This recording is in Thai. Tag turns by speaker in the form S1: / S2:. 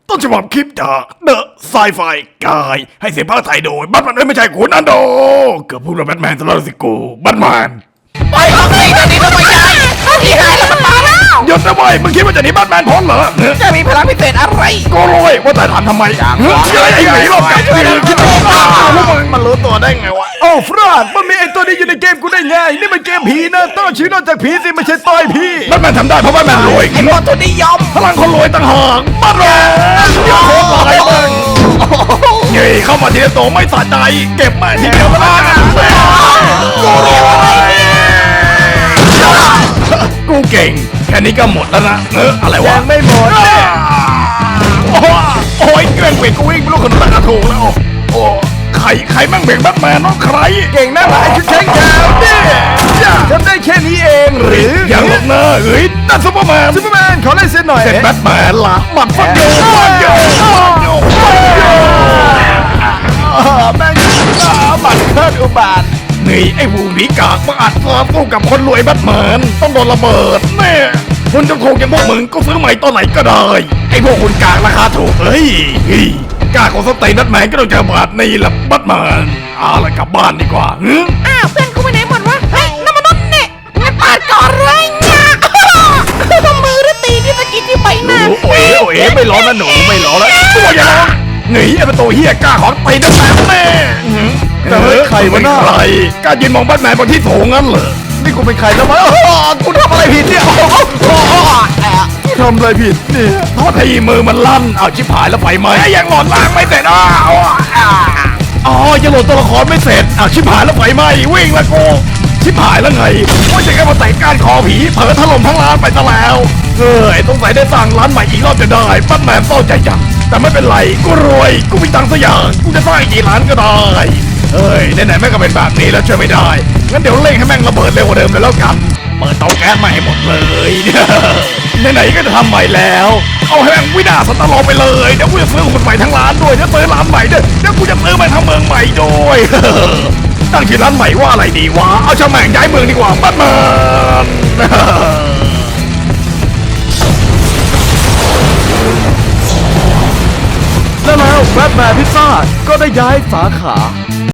S1: ต้นฉบับคลิปจากเดอะไซไฟกายให้เสียงภาคไทยโดยบัตแมนไม่ใช่คุณอันโดเกือบพูดว่าแบทแมนตลอดสิกูบัตแมน
S2: ไปออกสิตอนนี้ต้องไปใหญ่ที่หายแล้วมันมาแล้ว
S1: หยุดนะเว้ยมึงคิดว่าจะหนีบัตแมนพ้นเหรอ
S2: จะมีพลังพิเศษอะไร
S1: ก็รู้ว่าแต่ถามทำไมเฮ้ยไอ้หนีหลอกกับคือคิดว่าพวกมึงมันรู้ตัวได้ไงวะโอ้ฟรานมันมีไอ้ตัวนี้อยู่ในเกมกูได้ไงนี่มันเกมผีนะต้องชื่อนอกจากผีสิไม่ใช่ต่อยพี่บัตแมนทำได้เพราะบัตแมนรวย
S2: ไอ้คนทุนนิยม
S1: พลังคนรวยต่างหากบัตแมนอย่าโคตรอะไรมึงเฮ้ยเข้ามาทีละตัวไม่สะใจเก็บมาทีเดียวก็ได้กูรวยกูเก่งแค่นี้ก็หมดแล้วนะอะไรวะยังไม่หมดโอ้ยเกรงเบรกกูวิ่งไม่รู้คนละถูกแล้วโอ้ใครมั่งเบรกแบทแมนน้องใครเก่งนะไอ้ชุดแข็งแกวเนี่ยทำได้แค่นี้เองหรือยังหรอกนะเฮ้ยนั่นซูเปอร์แมนขอเล่นเส้นหน่อยเสร็จแบทแมนละมันฟังโยแม่งบัตรเคิร์ดอุบาทนี่ไอ้วูนีกากมาอัดซ้อมสู้กับคนรวยแบทแมนต้องโดนระเบิดแน่คุณจะโคงอย่างพวกมึงก็ซื้อใหม่ตอนไหนก็ได้ไอ้พวกคุณกากราคาถูกเฮ้ยกากของสเตย์แบทแมนก็ต้องเจอบาทนี่แหละแบทแมนเอาละกลับบ้านดีกว่า
S2: อ้าวเพื่อนกูไปไหนหมดวะเฮ้ยน้ำมันนุ่นเนี่ยงั้นปาดก่อนเลยเนี่ยมือหรือตีที่สกิดที่ใบหน้า
S1: โอ้ยไม่ร้อนนะหนูไม่ร้อนแล้วตัวอย่าร้องหนีไอ้ประตูเฮียกล้าของตีแบทแมนแน่แต่เฮ้ยใครวะหน้าใครกล้ายืนมองแบทแมนบนที่สูงงั้นเหรอนี่กูเป็นใครแล้วมั้งกูทำอะไรผิดเนี่ยกูทำอะไรผิดเนี่ยโทษทีมือมันลั่นเอาชิบหายแล้วไฟไหม้ยังหลอดล้างไม่เสร็จอ๋อยังโหลดตัวละครไม่เสร็จเอาชิบหายแล้วไฟไหม้วิ่งละกูชิบหายแล้วไงว่าจะแค่มาแต่งการคอผีเผลอถล่มทั้งร้านไปซะแล้วต้องใส่ได้สร้างร้านใหม่อีกรอบจะได้แบทแมนเศร้าใจจังแต่ไม่เป็นไรกูรวยกูมีตังค์สักอย่างกูจะสร้างกี่ร้านก็ได้ไหนๆแม่งก็เป็นแบบนี้แล้วช่วยไม่ได้งั้นเดี๋ยวเร่งให้แม่งระเบิดเร็วกว่าเดิมเลยแล้วกันเปิดเตาแก๊สใหม่ให้หมดเลยไหนๆก็จะทำใหม่แล้วเอาให้แม่งวินาศตลอดไปเลยเดี๋ยวกูจะซื้อคนใหม่ทั้งร้านด้วยเดี๋ยวซื้อร้านใหม่ด้วยเดี๋ยวกูจะซื้อไปทั้งเมืองใหม่ด้วยตั้งชื่อร้านใหม่ว่าอะไรดีวะเอาช่างแม่งย้ายเมืองดีกว่าแบทแมนแล้วแบทแมนพิซซ่าก็ได้ย้ายสาขา